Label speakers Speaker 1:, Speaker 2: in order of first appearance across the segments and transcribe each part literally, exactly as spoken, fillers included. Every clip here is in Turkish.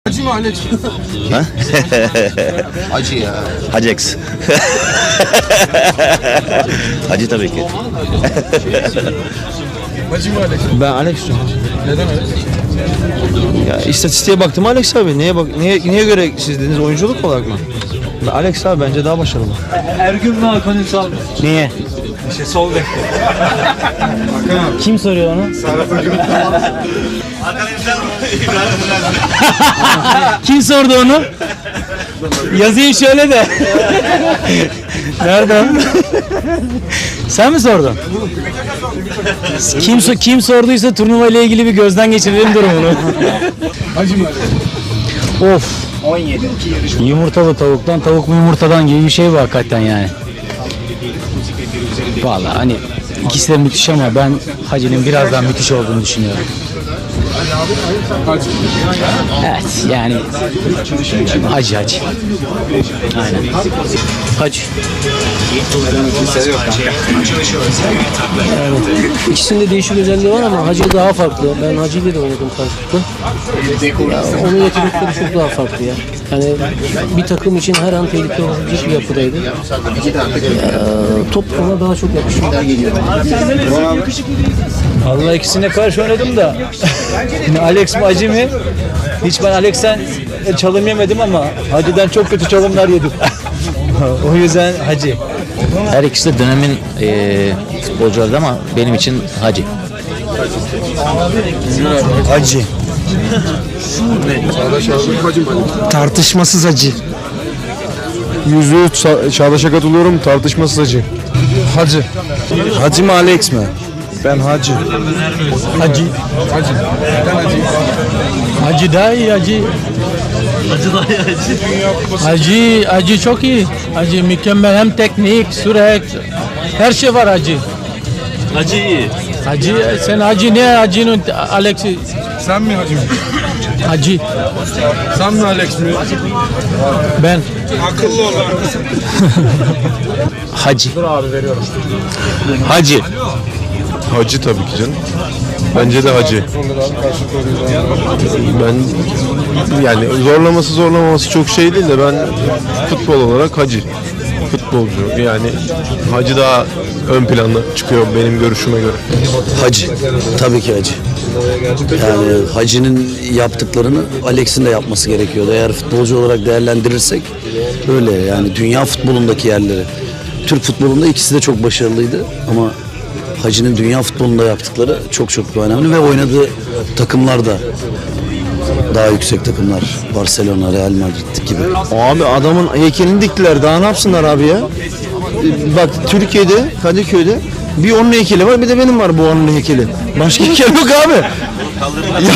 Speaker 1: Hacı mı Alex?
Speaker 2: Ha?
Speaker 1: Hacı ya.
Speaker 2: Hacex. Hacı tabii ki.
Speaker 1: Hacı mı Alex?
Speaker 3: Ben Alex diyorum.
Speaker 1: Neden Alex?
Speaker 3: Ya istatistiğe baktım Alex abi. Neye bak neye neye göre siz dediniz, oyunculuk olarak mı? Ben Alex abi bence daha başarılı.
Speaker 4: Ergün mü Hakan Ünsal mı?
Speaker 3: Niye?
Speaker 4: İşte sol bek. Kim soruyor onu? Kim sordu onu? Yazayım şöyle de. Nerede? Sen mi sordun? Kim so- kim sorduysa turnuva ile ilgili bir gözden geçirelim durumunu.
Speaker 1: Hacı mı Alex?
Speaker 4: Of. Yumurtalı tavuktan, tavuk mu yumurtadan gibi bir şey bu hakikaten yani. Vallahi hani ikisi de müthiş ama ben Hacı'nın biraz daha müthiş olduğunu düşünüyorum.
Speaker 1: Hacı.
Speaker 4: Evet yani Hacı Hacı. Aynen. Hacı.
Speaker 5: İkisinde değişik özelliği var ama Hacı daha farklı. Ben Hacı ile de oynadım karşılıklı. Ya, onun yetenekleri çok daha farklı ya. Yani bir takım için her an tehlike olabilecek bir yapıdaydı. Ya, top ona daha çok yakışıyor.
Speaker 4: Allah ikisine karşı oynadım da. Yine Alex mi Hacı mı? Hiç ben Alex'ten çalım yemedim ama Hacı'dan çok kötü çalımlar yedim. O yüzden Hacı.
Speaker 2: Her ikisi de dönemin eee futbolcuları ama benim için Hacı.
Speaker 3: Hacı.
Speaker 1: Çağdaş abi Hacı mı Alex?
Speaker 3: Tartışmasız Hacı.
Speaker 1: Yüzde yüz Çağdaş'a katılıyorum, tartışmasız Hacı.
Speaker 3: Hacı. Hacı mı Alex mi? Ben Hacı.
Speaker 4: Hacı.
Speaker 1: Hacı. Neden Hacı?
Speaker 4: Hacı daha iyi Hacı. Hacı daha iyi Hacı. Hacı, Hacı çok iyi. Hacı mükemmel, hem teknik, sürat, her şey var Hacı.
Speaker 6: Hacı iyi.
Speaker 4: Hacı, sen Hacı ne Hacı'nın Alex'i?
Speaker 1: Sen mi Hacı mı?
Speaker 4: Hacı.
Speaker 1: Sen mi Alex mi?
Speaker 4: Ben.
Speaker 1: Akıllı olan.
Speaker 2: Hacı. Hacı.
Speaker 7: Hacı tabii ki canım. Bence de Hacı. Ben yani zorlaması zorlamaması çok şey değil de ben futbol olarak Hacı. Futbolcu yani Hacı daha ön planda çıkıyor benim görüşüme göre.
Speaker 8: Hacı. Tabii ki Hacı. Yani Hacı'nın yaptıklarını Alex'in de yapması gerekiyordu. Eğer futbolcu olarak değerlendirirsek öyle yani dünya futbolundaki yerleri. Türk futbolunda ikisi de çok başarılıydı ama Hacı'nın dünya futbolunda yaptıkları çok çok önemli ve oynadığı takımlar da daha yüksek takımlar. Barcelona, Real Madrid gibi.
Speaker 3: Abi adamın heykelini diktiler. Daha ne yapsınlar abi ya? Ee, Bak Türkiye'de, Kadıköy'de bir onun heykeli var, bir de benim var bu onun heykeli. Başka heykel yok abi. Ya.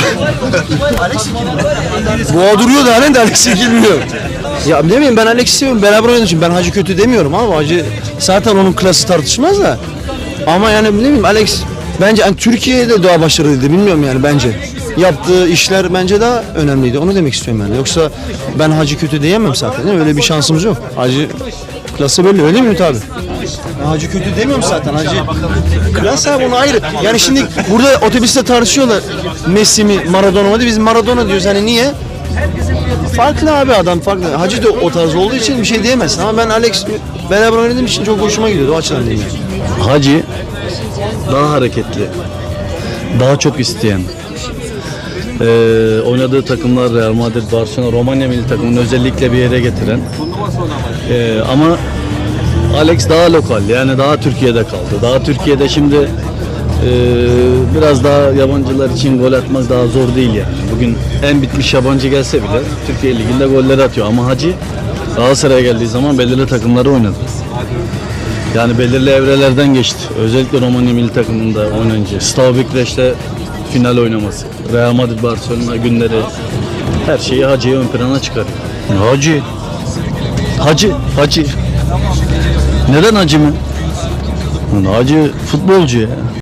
Speaker 3: Boğa duruyor da halen de Alex bilmiyor. Ya ne bileyim, ben Alex'i seviyorum. Beraber oynadığım için ben Hacı kötü demiyorum ama Hacı zaten onun klası tartışmaz da. Ama yani ne bileyim Alex bence yani Türkiye'de daha başarılıydı, bilmiyorum yani bence. Yaptığı işler bence daha önemliydi. Onu demek istiyorum yani. Yoksa ben Hacı kötü diyemem zaten. Değil mi? Öyle bir şansımız yok. Hacı klası belli, öyle mi Ümit abi? Ben Hacı kötü demiyorum zaten. Hacı klas abi, onu ayrı. Yani şimdi burada otobüste tartışıyorlar. Messi mi Maradona mı diye. Biz Maradona diyoruz. Hani niye? Farklı abi, adam farklı. Hacı da o tarz olduğu için bir şey diyemezsin. Ama ben Alex beraber oynadığım için çok hoşuma gidiyordu. O açıdan diyeyim yani.
Speaker 6: Hacı daha hareketli, daha çok isteyen. Ee, oynadığı takımlar Real Madrid, Barcelona, Romanya milli takımını özellikle bir yere getiren. Ee, ama Alex daha lokal, yani daha Türkiye'de kaldı. Daha Türkiye'de şimdi e, biraz daha yabancılar için gol atmak daha zor değil yani. Bugün en bitmiş yabancı gelse bile Türkiye Ligi'nde golleri atıyor. Ama Hacı Galatasaray'a geldiği zaman belirli takımları oynadı. Yani belirli evrelerden geçti. Özellikle Romanya milli takımında oynayınca. Steaua Bükreş'te final oynaması. Real Madrid, Barcelona günleri. Her şeyi Hacı'yı ön plana çıkarıyor. Hacı. Hacı. Hacı. Neden Hacı mı? Hacı futbolcu ya.